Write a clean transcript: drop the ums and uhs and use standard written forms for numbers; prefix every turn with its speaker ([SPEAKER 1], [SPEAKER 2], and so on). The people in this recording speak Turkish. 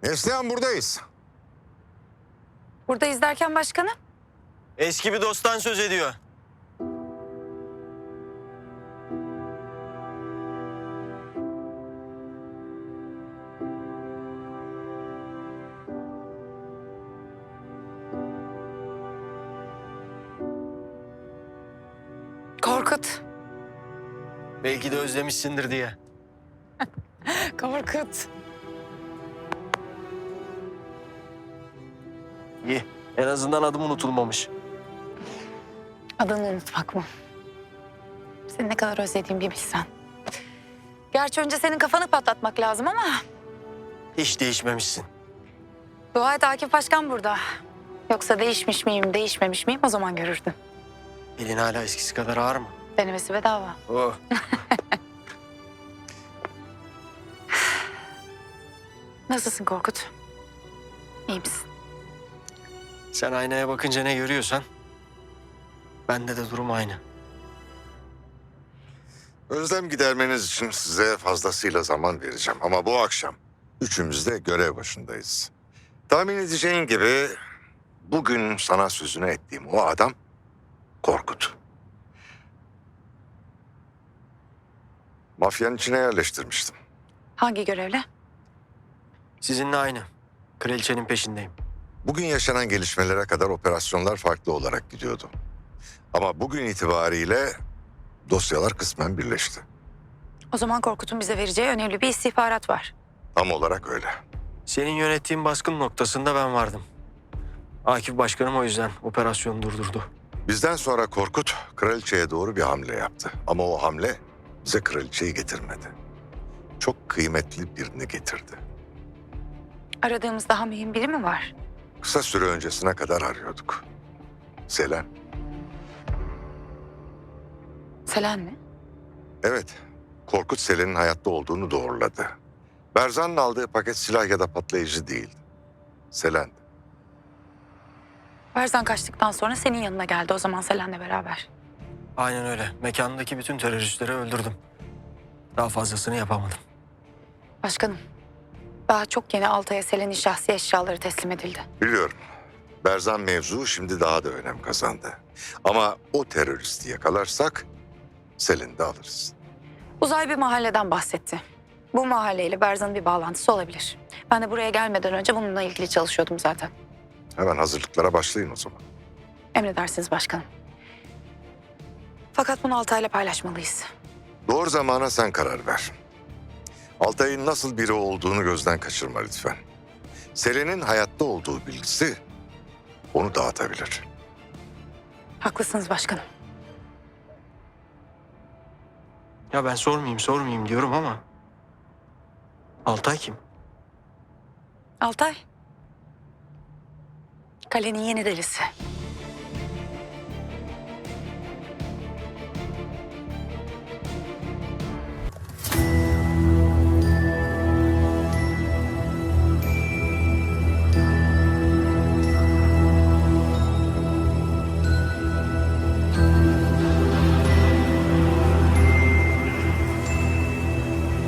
[SPEAKER 1] Neslihan buradayız.
[SPEAKER 2] Buradayız derken başkanım.
[SPEAKER 3] Eski bir dosttan söz ediyor.
[SPEAKER 2] Korkut.
[SPEAKER 3] Belki de özlemişsindir diye.
[SPEAKER 2] Korkut.
[SPEAKER 3] İyi. En azından adım unutulmamış.
[SPEAKER 2] Adını unutmak mı? Seni ne kadar özlediğimi bir bilsen. Gerçi önce senin kafanı patlatmak lazım ama...
[SPEAKER 3] Hiç değişmemişsin.
[SPEAKER 2] Dua et Akif Başkan burada. Yoksa değişmiş miyim, değişmemiş miyim o zaman görürdün.
[SPEAKER 3] Elin hala eskisi kadar ağır mı?
[SPEAKER 2] Denemesi bedava.
[SPEAKER 3] Oh.
[SPEAKER 2] Nasılsın Korkut? İyi misin?
[SPEAKER 3] Sen aynaya bakınca ne görüyorsan... bende de durum aynı.
[SPEAKER 1] Özlem gidermeniz için size fazlasıyla zaman vereceğim. Ama bu akşam üçümüz de görev başındayız. Tahmin edeceğin gibi bugün sana sözünü ettiğim o adam Korkut. Mafyanın içine yerleştirmiştim.
[SPEAKER 2] Hangi görevle?
[SPEAKER 3] Sizinle aynı. Kraliçenin peşindeyim.
[SPEAKER 1] Bugün yaşanan gelişmelere kadar operasyonlar farklı olarak gidiyordu. Ama bugün itibariyle dosyalar kısmen birleşti.
[SPEAKER 2] O zaman Korkut'un bize vereceği önemli bir istihbarat var.
[SPEAKER 1] Tam olarak öyle.
[SPEAKER 3] Senin yönettiğin baskın noktasında ben vardım. Akif Başkanım o yüzden operasyonu durdurdu.
[SPEAKER 1] Bizden sonra Korkut kraliçeye doğru bir hamle yaptı. Ama o hamle bize kraliçeyi getirmedi. Çok kıymetli birini getirdi.
[SPEAKER 2] Aradığımız daha mühim biri mi var?
[SPEAKER 1] Kısa süre öncesine kadar arıyorduk. Selen.
[SPEAKER 2] Selen mi?
[SPEAKER 1] Evet, Korkut Selen'in hayatta olduğunu doğruladı. Berzan'ın aldığı paket silah ya da patlayıcı değildi. Selen'di.
[SPEAKER 2] Berzan kaçtıktan sonra senin yanına geldi o zaman Selen'le beraber.
[SPEAKER 3] Aynen öyle. Mekandaki bütün teröristleri öldürdüm. Daha fazlasını yapamadım.
[SPEAKER 2] Başkanım, daha çok yeni Altay'a Selen'in şahsi eşyaları teslim edildi.
[SPEAKER 1] Biliyorum. Berzan mevzu şimdi daha da önem kazandı. Ama o teröristi yakalarsak Selen'i de alırız.
[SPEAKER 2] Uzay bir mahalleden bahsetti. Bu mahalleyle Berzan'ın bir bağlantısı olabilir. Ben de buraya gelmeden önce bununla ilgili çalışıyordum zaten.
[SPEAKER 1] Hemen hazırlıklara başlayın o zaman.
[SPEAKER 2] Emredersiniz başkanım. Fakat bunu Altay'la paylaşmalıyız.
[SPEAKER 1] Doğru zamana sen karar ver. Altay'ın nasıl biri olduğunu gözden kaçırma lütfen. Selen'in hayatta olduğu bilgisi onu dağıtabilir.
[SPEAKER 2] Haklısınız başkanım.
[SPEAKER 3] Ya ben sormayayım diyorum ama... Altay kim?
[SPEAKER 2] Altay. Kalenin yeni delisi.